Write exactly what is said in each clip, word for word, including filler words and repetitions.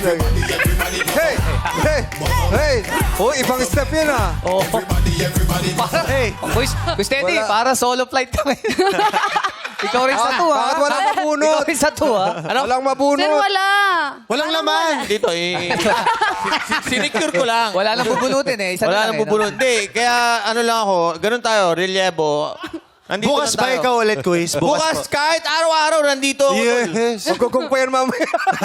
Hey! Hey! Hey! Oh, ibang step yun ah. Oo. Para, Hey! Guys, Gusto Eddie, Wala. para solo flight kami. Ikaw rin sa Bakit- to, ha? bakit walang mabunot? Ikaw rin sa to, ha? Ano? Walang mabunot. Sir, wala. Walang laman. Dito, eh. Sinecure ko lang. Wala nang bubunutin, eh. Isa na Wala lang, nang eh, no? bubulot. Hindi, kaya ano lang ako, ganun tayo, relyebo. Nandito Bukas lang ba tayo. ikaw ulit, quiz? Bukas, kahit araw-araw, nandito ako. tol. Yes. Magugong pa yan mamaya.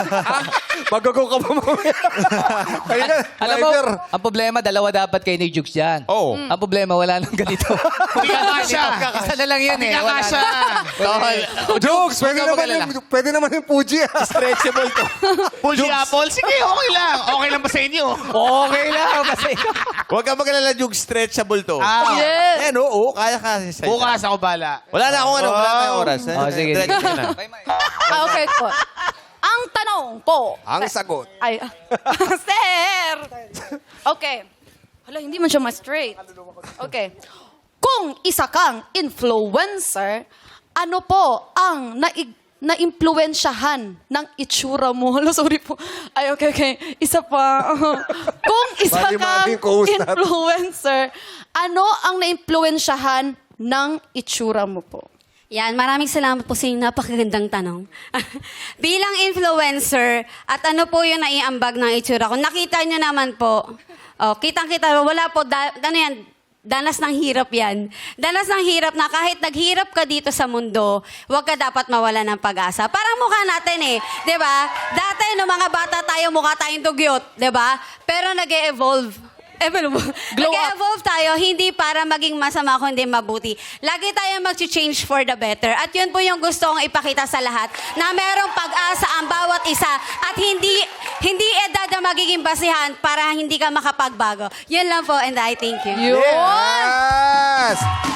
Magugong ka pa mamaya. Kaya na, Alam mo, driver. ang problema, dalawa dapat kayo ni Jukes dyan. Oo. Ang problema, wala nang ganito. Hindi ka kasha. Isa na lang yan, eh. Hindi ka Wala kasha. na. Jokes, pwede Huwag ka naman mag-alala. yung, pwede naman yung Fuji ah. Stretchable to. Fuji Apple? Sige, okay lang. Okay lang ba sa inyo? Okay lang, kasi. Huwag ka mag-alala, Jug, stretchable to. Ah, Yes. Yan, oo, kaya ka. Sa bukas ako bala. Wala na akong ano, wala tayong oras. Oh, sige. Diretso ka na. Ah, okay po. Ang tanong po. Ang sagot. Ay, sir! Okay. Hala, hindi man siya ma-straight. Okay. Kung isa kang influencer, ano po ang naig na-impluensyahan ng itsura mo? Hala, sorry po. Ay, okay, okay. Isa pa. Kung isa kang Mali-maling co-host natin. influencer, ano ang na-impluensyahan ng itsura mo po? Yan, maraming salamat po sa inyong napakagandang tanong. Bilang influencer, at ano po yung naiambag ng itsura ko, nakita nyo naman po, oh, kitang-kita, wala po, da, ano yan, danas ng hirap yan. Danas ng hirap na kahit naghirap ka dito sa mundo, huwag ka dapat mawala ng pag-asa. Parang mukha natin eh, di ba? Dati, no mga bata tayo, mukha tayong dugyot, di ba? Pero nag-e-evolve. Evolve. Glow up. Nag-evolve tayo, hindi para maging masama, kundi mabuti. Lagi tayo mag-change for the better. At yun po yung gusto kong ipakita sa lahat, na merong pag-asa ang bawat isa at hindi hindi edad na magiging basihan para hindi ka makapagbago. Yun lang po, and I thank you. Yun! Yes!